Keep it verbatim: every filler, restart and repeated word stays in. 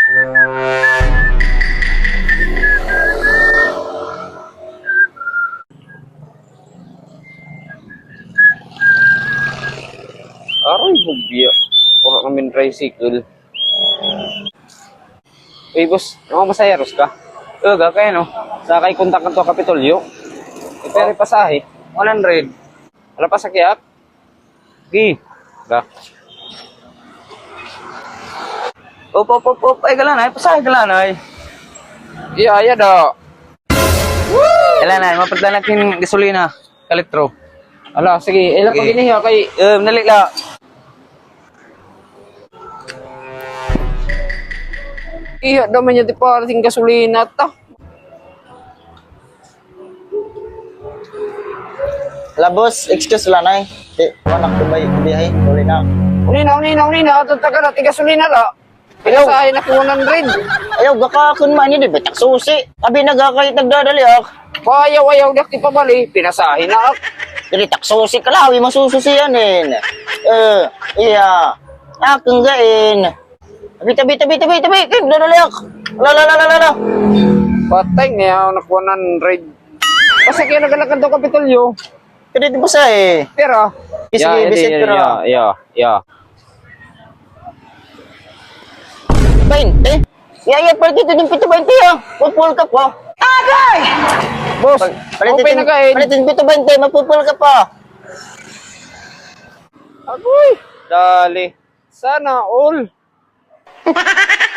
Aray, bugya. Puro namin tricycle. Uy, boss, ano masayaros ka? Uga, kaya no? Sakay kontak ka to Kapitolyo. E, pero pasahe. one hundred. Wala pa sakyak? Gi. Ga. Op, op, op, op. Ay, galanay. Pasahe galanay. Iya, iya da. Galanay, mapadala natin gasolina. Kalitro. Ala, sige. Ilan Sige. pag inihiya kay... Um, nalila. Iya, daman niya di parating gasolina ta. Wala boss, excuse lang ay. Di, anak ko ba yung biyahe? Tuloy na. Unina, unina, unina. Tataga na, tiga gasolina la. Pinasahe na ko one hundred. Ayaw, gaka kun man yun, di ba? Taksusi. Abi nagakahit nagdadali ak. Payaw, ayaw, di pa bali. Pinasahe na ak. Dili taksusi ka lang, masususiyanin. Eh, iya. Akong gain. Tabi, tabi, tabi, tabi, tabi. Kaya, dadali ak. La, la, la, la, la, la. Patay niya, nak one hundred. Kasi kaya nagalakad to Kapitolyo. Kaya dito ba sa eh? Pero, Sige, visit ko na. ya, ya. twenty? Yeah, yeah, pwede dito yung pito twenty ah. Pupul ka pa. Agay! Boss, open na kain. Palitin pito twenty, magpupul ka pa. Agoy, dali. Sana all.